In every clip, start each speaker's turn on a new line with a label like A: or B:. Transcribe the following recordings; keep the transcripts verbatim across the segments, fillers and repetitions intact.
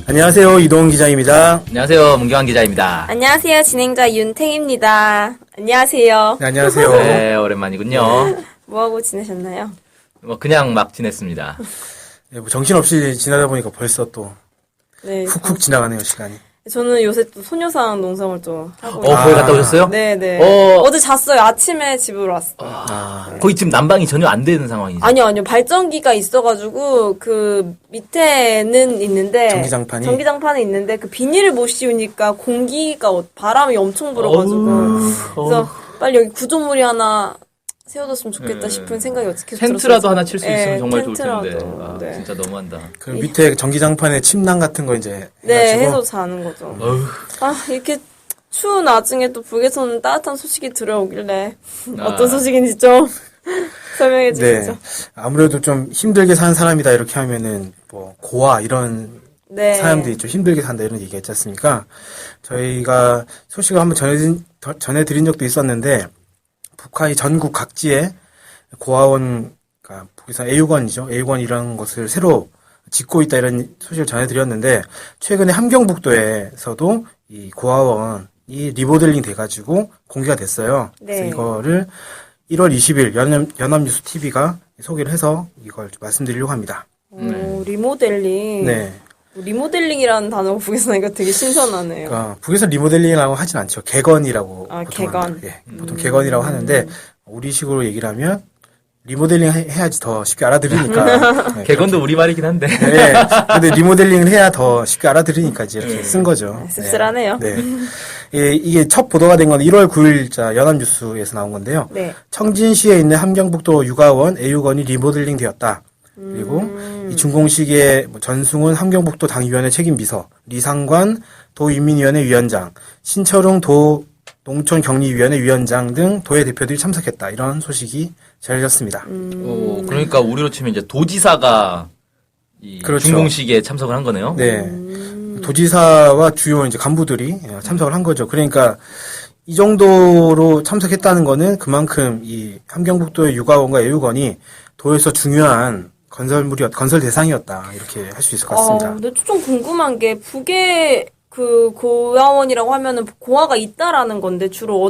A: 안녕하세요. 이동훈 기자입니다.
B: 안녕하세요. 문경환 기자입니다.
C: 안녕하세요. 진행자 윤탱입니다. 안녕하세요.
A: 네, 안녕하세요.
B: 네, 오랜만이군요.
C: 뭐하고 지내셨나요?
B: 뭐 그냥 막 지냈습니다.
A: 네, 뭐 정신없이 지나다 보니까 벌써 또
C: 네.
A: 훅훅 지나가네요, 시간이.
C: 저는 요새 또 소녀상 농성을 또 하고
B: 어, 거기 갔다 오셨어요?
C: 네네.
B: 어.
C: 어제 잤어요. 아침에 집으로 왔어요.
A: 아,
B: 거기 지금 난방이 전혀 안 되는 상황이죠.
C: 아니요, 아니요. 발전기가 있어가지고, 그, 밑에는 있는데.
A: 전기장판이?
C: 전기장판이 있는데, 그 비닐을 못 씌우니까 공기가, 어- 바람이 엄청 불어가지고.
B: 어우,
C: 그래서
B: 어우.
C: 빨리 여기 구조물이 하나 세워뒀으면 좋겠다
B: 네.
C: 싶은 생각이 어떻게
B: 텐트라도 하나 칠 수
C: 네,
B: 있으면 정말 좋을
C: 텐트라도.
B: 텐데. 아,
C: 네.
B: 진짜 너무한다.
A: 그 밑에 전기장판에 침낭 같은 거 이제
C: 네,
A: 해가지고
C: 해서 자는 거죠.
B: 어휴.
C: 아, 이렇게 추운 나중에 또 북에서는 따뜻한 소식이 들어오길래
B: 아.
C: 어떤 소식인지 좀 설명해 주시죠.
A: 네. 아무래도 좀 힘들게 사는 사람이다 이렇게 하면은 뭐 고아 이런
C: 네.
A: 사람들이 좀 힘들게 산다 이런 얘기 했지 않습니까? 저희가 소식을 한번 전해드린, 전해드린 적도 있었는데 북한이 전국 각지에 고아원, 그러니까 북에서 애육원이죠. 애육원 이런 것을 새로 짓고 있다 이런 소식을 전해드렸는데 최근에 함경북도에서도 이 고아원이 리모델링 돼가지고 공개가 됐어요.
C: 네.
A: 그래서 이거를 일월 이십일 연합, 연합뉴스 티비가 소개를 해서 이걸 좀 말씀드리려고 합니다.
C: 오, 리모델링.
A: 네.
C: 리모델링이라는 단어가 북에서 나니까 되게 신선하네요.
A: 그러니까 북에서 리모델링이라고 하진 않죠. 개건이라고
C: 아,
A: 보통
C: 개건.
A: 합니다. 예, 보통 개건이라고 하는데 우리식으로 얘기를 하면 리모델링 해- 해야지 더 쉽게 알아들으니까. 네,
B: 개건도 우리말이긴 한데.
A: 네. 근데 리모델링을 해야 더 쉽게 알아들으니까 이제 이렇게 쓴 거죠.
C: 네, 씁쓸하네요.
A: 네. 네. 예, 이게 첫 보도가 된 건 일월 구일자 연합뉴스에서 나온 건데요.
C: 네.
A: 청진시에 있는 함경북도 육아원, 애육원이 리모델링 되었다. 그리고
C: 음.
A: 이 준공식에 뭐 전승훈 함경북도 당위원회 책임비서, 리상관 도인민위원회 위원장, 신철웅 도 농촌격리위원회 위원장 등 도의 대표들이 참석했다. 이런 소식이 전해졌습니다.
B: 어, 그러니까 우리로 치면 이제 도지사가 이
A: 그렇죠.
B: 준공식에 참석을 한 거네요.
A: 네.
C: 음.
A: 도지사와 주요 이제 간부들이 참석을 한 거죠. 그러니까 이 정도로 참석했다는 거는 그만큼 이 함경북도의 육아원과 애육원이 도에서 중요한 건설물이 건설 대상이었다. 이렇게 할 수 있을 것 같습니다.
C: 아, 근데 좀 궁금한 게 북에 그 고아원이라고 하면은 고아가 있다라는 건데 주로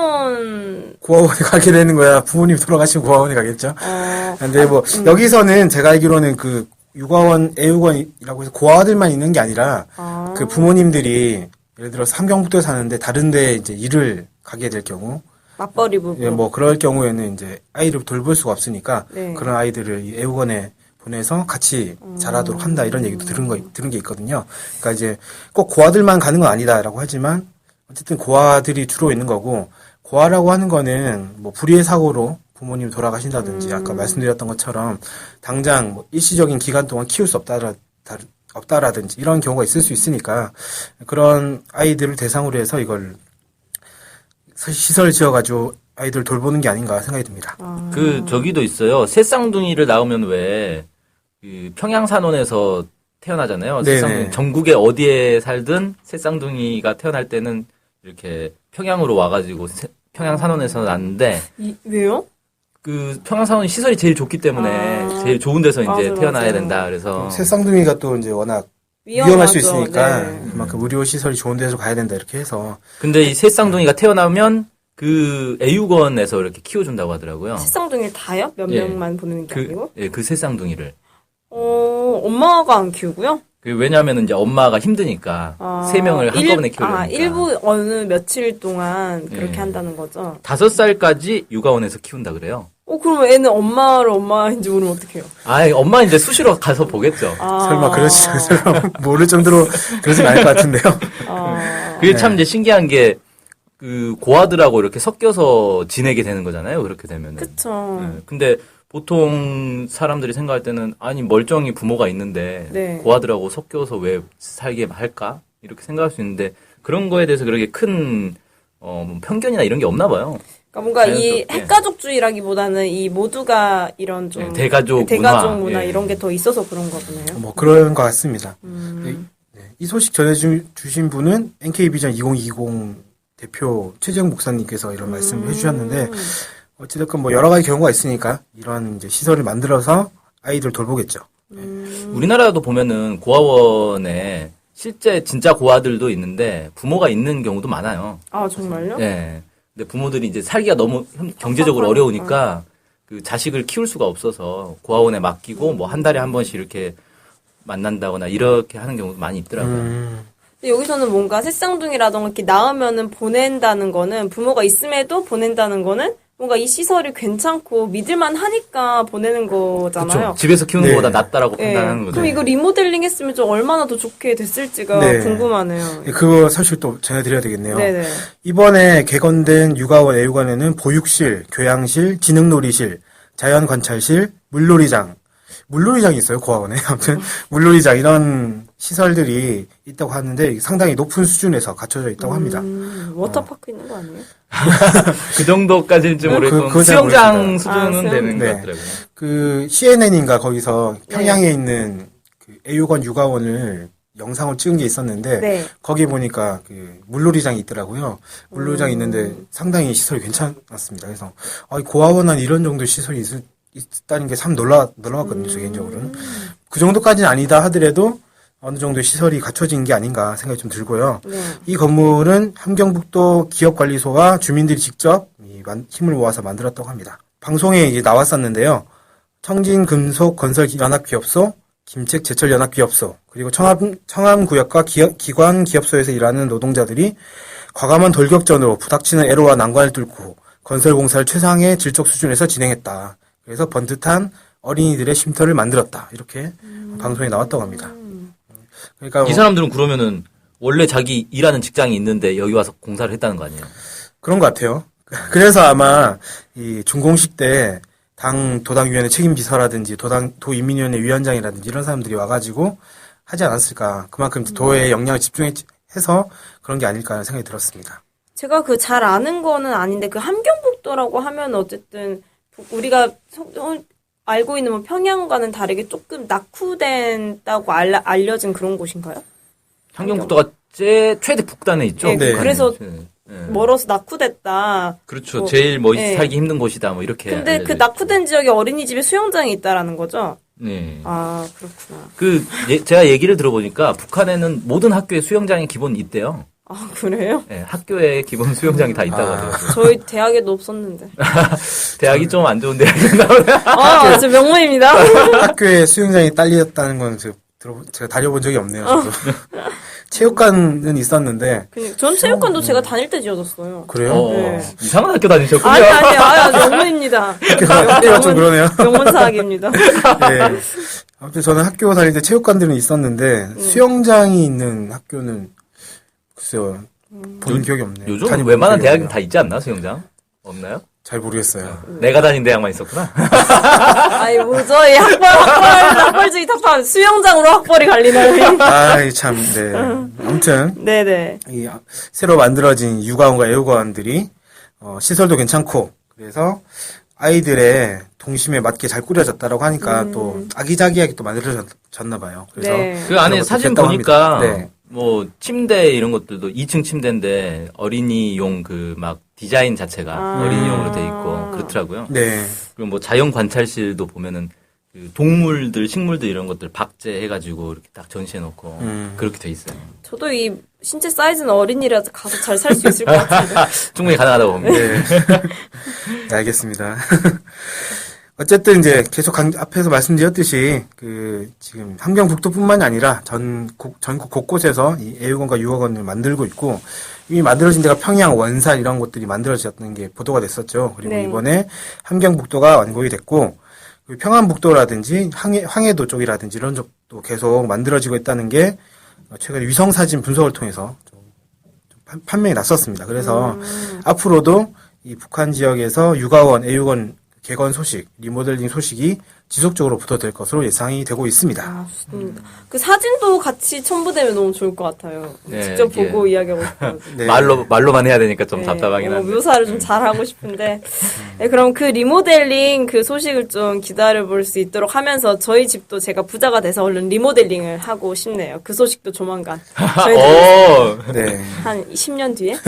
C: 어떤
A: 고아원에 가게 되는 거야. 부모님 돌아가시면 고아원에 가겠죠.
C: 어,
A: 근데 뭐 여기서는 제가 알기로는 그 육아원, 애육원이라고 해서 고아들만 있는 게 아니라
C: 아.
A: 그 부모님들이 예를 들어서 함경북도에 사는데 다른 데 이제 일을 가게 될 경우
C: 맞벌이 부부.
A: 예, 뭐 그럴 경우에는 이제 아이를 돌볼 수가 없으니까
C: 네.
A: 그런 아이들을 이 애육원에 보내서 같이 자라도록 한다 이런 얘기도 들은 거 들은 게 있거든요. 그러니까 이제 꼭 고아들만 가는 건 아니다라고 하지만 어쨌든 고아들이 주로 있는 거고 고아라고 하는 거는 뭐 불의의 사고로 부모님 돌아가신다든지 아까 말씀드렸던 것처럼 당장 뭐 일시적인 기간 동안 키울 수 없다라 다- 없다라든지 이런 경우가 있을 수 있으니까 그런 아이들을 대상으로 해서 이걸 시설 지어가지고 아이들 돌보는 게 아닌가 생각이 듭니다.
B: 그 저기도 있어요. 새쌍둥이를 낳으면 왜 그 평양산원에서 태어나잖아요.
A: 네네.
B: 새쌍둥이 전국에 어디에 살든 새쌍둥이가 태어날 때는 이렇게 평양으로 와가지고 새- 평양산원에서 낳는데
C: 이, 왜요?
B: 그 평양산원이 시설이 제일 좋기 때문에
C: 아.
B: 제일 좋은 데서 이제
C: 맞아요,
B: 태어나야
C: 맞아요.
B: 된다. 그래서
A: 새쌍둥이가 또 이제 워낙
C: 위험하죠.
A: 위험할 수 있으니까
C: 네.
A: 그만큼 의료 시설이 좋은 데서 가야 된다 이렇게 해서
B: 근데 이 새쌍둥이가 태어나면 그 애육원에서 이렇게 키워준다고 하더라고요.
C: 새쌍둥이를 다요? 몇
B: 예.
C: 명만 보내는 게
B: 그,
C: 아니고?
B: 예, 그 새쌍둥이를.
C: 어, 엄마가 안 키우고요?
B: 그 왜냐하면 이제 엄마가 힘드니까
C: 아,
B: 세 명을 한꺼번에
C: 일-
B: 키우려니까.
C: 아, 일부 어느 며칠 동안 그렇게
B: 예.
C: 한다는 거죠?
B: 다섯 살까지 육아원에서 키운다 그래요.
C: 어, 그럼 애는 엄마를 엄마인지 모르면 어떡해요?
B: 아, 엄마 이제 수시로 가서 보겠죠.
C: 아.
A: 설마 그렇지 설마 모를 정도로 그러진 않을 것 같은데요.
C: 아.
B: 그게 참 이제 신기한 게 그 고아들하고 이렇게 섞여서 지내게 되는 거잖아요. 그렇게 되면은.
C: 그쵸.
B: 예, 근데 보통 사람들이 생각할 때는 아니 멀쩡히 부모가 있는데
C: 네.
B: 고아들하고 섞여서 왜 살게 할까 이렇게 생각할 수 있는데 그런 거에 대해서 그렇게 큰 어, 뭐 편견이나 이런 게 없나 봐요.
C: 그러니까 뭔가 이
B: 자연스럽게.
C: 핵가족주의라기보다는 이 모두가 이런 좀
B: 네, 대가족
C: 대가족
B: 문화,
C: 문화
B: 예.
C: 이런 게 더 있어서 그런 거보네요.
A: 뭐 그런 것 같습니다.
C: 음.
A: 네, 이 소식 전해주신 분은 엔케이비전 이천이십 대표 최재형 목사님께서 이런 말씀을 해주셨는데 어찌됐건 뭐 여러 가지 경우가 있으니까 이런 이제 시설을 만들어서 아이들 돌보겠죠.
C: 음.
B: 우리나라도 보면은 고아원에 실제 진짜 고아들도 있는데 부모가 있는 경우도 많아요.
C: 아, 정말요?
B: 네. 근데 부모들이 이제 살기가 너무 현- 경제적으로 어려우니까 그 자식을 키울 수가 없어서 고아원에 맡기고 뭐 한 달에 한 번씩 이렇게 만난다거나 이렇게 하는 경우도 많이 있더라고요.
A: 음,
C: 근데 여기서는 뭔가 새쌍둥이라던가 이렇게 낳으면은 보낸다는 거는 부모가 있음에도 보낸다는 거는 뭔가 이 시설이 괜찮고 믿을만 하니까 보내는 거잖아요.
B: 그렇죠. 집에서 키우는
A: 네.
B: 것보다 낫다라고
C: 예.
B: 판단하는 거죠.
C: 그럼 이거 리모델링 했으면 좀 얼마나 더 좋게 됐을지가
A: 네.
C: 궁금하네요.
A: 그거 사실 또 전해드려야 되겠네요.
C: 네네.
A: 이번에 개건된 육아원, 애육원에는 보육실, 교양실, 지능놀이실, 자연관찰실, 물놀이장, 물놀이장이 있어요, 고아원에. 아무튼, 물놀이장, 이런 시설들이 있다고 하는데 상당히 높은 수준에서 갖춰져 있다고 합니다.
C: 음, 워터파크 있는 거 아니에요?
B: 그 정도까지는
A: 그-
B: 모르겠고
A: 그건 잘
B: 수영장
A: 모르겠습니다.
B: 수준은
C: 아, 수영-
B: 되는
A: 네.
B: 것 같더라고요.
A: 그, 씨엔엔인가 거기서 평양에 있는 그 애육원 육아원을 영상을 찍은 게 있었는데,
C: 네.
A: 거기 보니까 그 물놀이장이 있더라고요. 물놀이장이 있는데 상당히 시설이 괜찮았습니다. 그래서, 아, 이 고아원은 이런 정도 시설이 있을, 있다는 게 참 놀라, 놀라웠거든요, 저 개인적으로는. 그 정도까지는 아니다 하더라도 어느 정도 시설이 갖춰진 게 아닌가 생각이 좀 들고요.
C: 네.
A: 이 건물은 함경북도 기업관리소와 주민들이 직접 이 만- 힘을 모아서 만들었다고 합니다. 방송에 이제 나왔었는데요. 청진금속건설연합기업소, 김책제철연합기업소, 그리고 청암, 청암구역과 기업, 기관 기업소에서 일하는 노동자들이 과감한 돌격전으로 부닥치는 애로와 난관을 뚫고 건설공사를 최상의 질적 수준에서 진행했다. 그래서 번듯한 어린이들의 쉼터를 만들었다. 이렇게 방송에 나왔다고 합니다. 그러니까
B: 이
A: 뭐
B: 사람들은 그러면은 원래 자기 일하는 직장이 있는데 여기 와서 공사를 했다는 거 아니에요?
A: 그런 것 같아요. 그래서 아마 이 준공식 때 당 도당위원회 책임비서라든지 도당 도인민위원회 위원장이라든지 이런 사람들이 와가지고 하지 않았을까. 그만큼 도에 영향을 집중해서 그런 게 아닐까 하는 생각이 들었습니다.
C: 제가 그 잘 아는 거는 아닌데 그 함경북도라고 하면 어쨌든 우리가 소- 어, 알고 있는 뭐 평양과는 다르게 조금 낙후된다고 알라, 알려진 그런 곳인가요?
B: 함경북도가 제 최대 북단에 있죠.
C: 네,
A: 네.
C: 그래서
B: 네.
C: 멀어서 낙후됐다.
B: 그렇죠.
C: 뭐,
B: 제일 뭐
C: 네.
B: 살기 힘든 곳이다. 뭐 이렇게.
C: 근데
B: 알려져
C: 그
B: 있죠.
C: 낙후된 지역에 어린이집에 수영장이 있다라는 거죠?
B: 네.
C: 아, 그렇구나.
B: 그 예, 제가 얘기를 들어보니까 북한에는 모든 학교에 수영장이 기본 있대요.
C: 아, 그래요?
B: 네, 학교에 기본 수영장이 다 있다고
A: 아.
B: 하더라고요.
C: 저희 대학에도 없었는데.
B: 대학이 좀 안 좋은 대학인가 보네요.
C: 아, 저 명문입니다.
A: 학교에 수영장이 딸렸다는 건 제가, 들어, 제가 다녀본 적이 없네요. 저도. 체육관은 있었는데
C: 그냥 전 체육관도 제가 다닐 때 지어졌어요.
A: 그래요?
B: 어,
C: 네.
B: 이상한 학교 다니셨군요.
C: 아니, 아니, 아니, 명문입니다.
A: 학교가 좀 그러네요.
C: 명문사학입니다.
A: 네. 아무튼 저는 학교 다닐 때 체육관들은 있었는데 수영장이 있는 학교는 글쎄요 본
B: 요-
A: 기억이 없네요.
B: 요즘
A: 다녀본
B: 웬만한
A: 기억이
B: 대학은
A: 없네요.
B: 다 있지 않나 수영장? 없나요?
A: 잘 모르겠어요.
B: 내가 다닌 대학만 있었구나.
C: 아이, 뭐죠? 이 학벌, 학벌, 학벌주의 탑한 수영장으로 학벌이 갈리나요?
A: 아이 참, 네. 아무튼
C: 네네.
A: 이 새로 만들어진 육아원과 애육원들이 어, 시설도 괜찮고 그래서 아이들의 동심에 맞게 잘 꾸려졌다라고 하니까 또 아기자기하게 또 만들어졌나 봐요. 그래서
C: 네.
B: 그 안에
A: 그런 것도
B: 사진
A: 됐다고
B: 보니까
A: 합니다. 네.
B: 뭐 침대 이런 것들도 이 층 침대인데 어린이용 그 막 디자인 자체가
C: 아.
B: 어린이용으로 돼 있고 그렇더라고요.
A: 네.
B: 그리고 뭐 자연 관찰실도 보면은 그 동물들, 식물들 이런 것들 박제해가지고 이렇게 딱 전시해놓고
A: 음.
B: 그렇게 돼 있어요.
C: 저도 이 신체 사이즈는 어린이라서 가서 잘 살 수 있을 것 같은데.
B: 충분히 가능하다고 봅니다.
A: 네. 네, 알겠습니다. 어쨌든 이제 계속 강, 앞에서 말씀드렸듯이 그 지금 함경북도뿐만이 아니라 전 국- 전국 곳곳에서 이 애육원과 유아원을 만들고 있고 이미 만들어진 데가 평양, 원산 이런 곳들이 만들어졌던 게 보도가 됐었죠. 그리고
C: 네.
A: 이번에 함경북도가 완공이 됐고 그리고 평안북도라든지 황해, 황해도 쪽이라든지 이런 쪽도 계속 만들어지고 있다는 게 최근에 위성 사진 분석을 통해서 좀, 좀 판- 판명이 났었습니다. 그래서
C: 음.
A: 앞으로도 이 북한 지역에서 육아원, 애육원 개건 소식, 리모델링 소식이 지속적으로 붙어들 것으로 예상이 되고 있습니다.
C: 아, 좋습니다. 그 사진도 같이 첨부되면 너무 좋을 것 같아요.
B: 네,
C: 직접
B: 이게-
C: 보고 이야기하고 싶어요.
A: 네.
B: 말로 말로만 해야 되니까 좀
C: 네,
B: 답답하긴
C: 어,
B: 한데.
C: 묘사를 좀 잘하고 싶은데. 네, 그럼 그 리모델링 그 소식을 좀 기다려볼 수 있도록 하면서 저희 집도 제가 부자가 돼서 얼른 리모델링을 하고 싶네요. 그 소식도 조만간. 저희
B: 어,
A: 네.
C: 한 십 년 뒤에?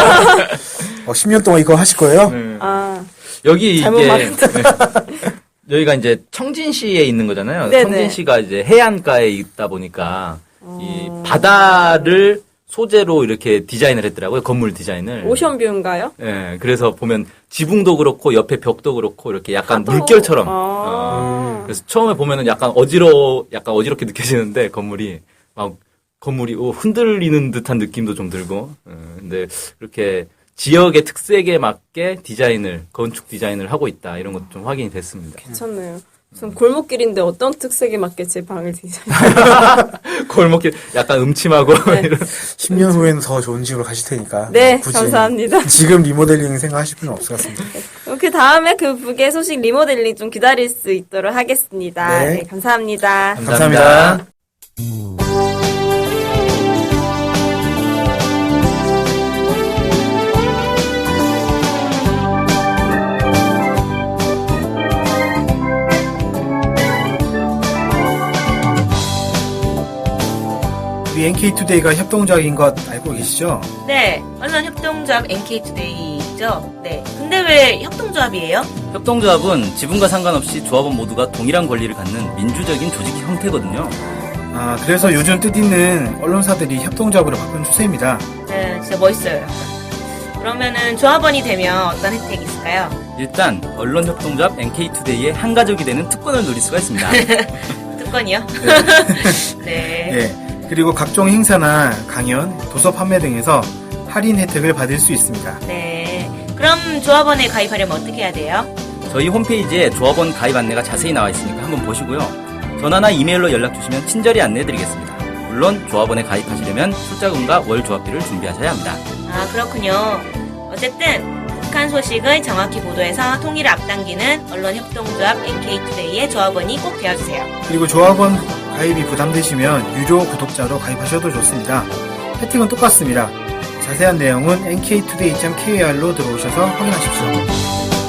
A: 어, 십 년 동안 이거 하실 거예요?
B: 네.
C: 아,
B: 여기
C: 잘못
B: 이게
C: 말했다.
B: 여기가 이제 청진시에 있는 거잖아요.
C: 네네.
B: 청진시가 이제 해안가에 있다 보니까 이 바다를 소재로 이렇게 디자인을 했더라고요. 건물 디자인을.
C: 오션뷰인가요?
B: 예, 그래서 보면 지붕도 그렇고 옆에 벽도 그렇고 이렇게 약간
C: 파도.
B: 물결처럼.
C: 아.
B: 어, 그래서 처음에 보면은 약간 어지러, 약간 어지럽게 느껴지는데 건물이 막 건물이 오, 흔들리는 듯한 느낌도 좀 들고. 예, 근데 이렇게 지역의 특색에 맞게 디자인을 건축 디자인을 하고 있다 이런 것도 좀 확인이 됐습니다.
C: 괜찮네요. 무슨 골목길인데 어떤 특색에 맞게 제 방을 디자인.
B: 골목길 약간 음침하고
C: 네.
B: 이런.
A: 십 년 후에는 더 좋은 집으로 가실 테니까.
C: 네,
A: 굳이
C: 감사합니다.
A: 지금 리모델링 생각하실 필요는 없을 것 같습니다.
C: 그 다음에 그 북의 소식 리모델링 좀 기다릴 수 있도록 하겠습니다.
A: 네.
C: 네, 감사합니다.
A: 감사합니다. 우리 엔케이투데이가 협동조합인 것 알고 계시죠?
D: 네, 언론협동조합 엔케이투데이죠. 네. 근데 왜 협동조합이에요?
B: 협동조합은 지분과 상관없이 조합원 모두가 동일한 권리를 갖는 민주적인 조직 형태거든요.
A: 아, 그래서 요즘 뜻있는 언론사들이 협동조합으로 바꾸는 추세입니다.
D: 네, 진짜 멋있어요. 약간. 그러면은 조합원이 되면 어떤 혜택이 있을까요?
B: 일단 언론협동조합 엔케이투데이의 한 가족이 되는 특권을 누릴 수가 있습니다.
D: 특권이요? 네.
A: 예. 그리고 각종 행사나 강연, 도서 판매 등에서 할인 혜택을 받을 수 있습니다.
D: 네. 그럼 조합원에 가입하려면 어떻게 해야 돼요?
B: 저희 홈페이지에 조합원 가입 안내가 자세히 나와 있으니까 한번 보시고요. 전화나 이메일로 연락 주시면 친절히 안내해드리겠습니다. 물론 조합원에 가입하시려면 출자금과 월 조합비를 준비하셔야 합니다.
D: 아, 그렇군요. 어쨌든 북한 소식을 정확히 보도해서 통일을 앞당기는 언론협동조합 엔케이투데이의 조합원이 꼭 되어주세요.
A: 그리고 조합원 가입이 부담되시면 유료 구독자로 가입하셔도 좋습니다. 혜택은 똑같습니다. 자세한 내용은 엔케이투데이 닷 케이알로 들어오셔서 확인하십시오.